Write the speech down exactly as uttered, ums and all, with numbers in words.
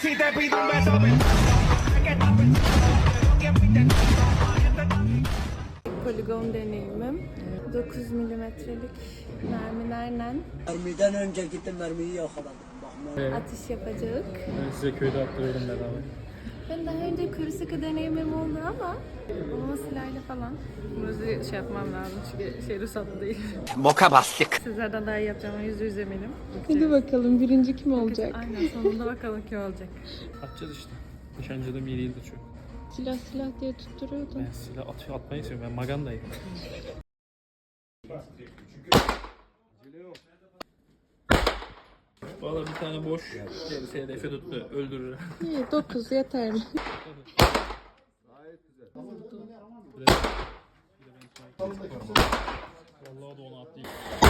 Poligon deneyimim. dokuz milimetrelik mermilerle Mermiden önce gittim mermiyi yakaladım. Evet. atış yapacak. Ben size köyde attırıyorum bedava. Ben daha önce kuru sıkı deneyimim oldu ama babama silahla falan. Bunu şey yapmam lazım çünkü şey ruhsatlı değil. Moka bastık. Sizlerden daha iyi yapacağım, yüzde yüz eminim. Hadi bakalım birinci kim olacak? Aynen, sonunda bakalım kim olacak. Atacağız işte. Nişancıda bir değildir çok. Silah silah diye tutturuyordun. Ben silah at atmayı seviyorum. Ben magandayım. Valla bir tane boş. Gerisi hedefi tuttu. Öldürür. İyi dokuz yeterli. Vallahi da onu atlayayım.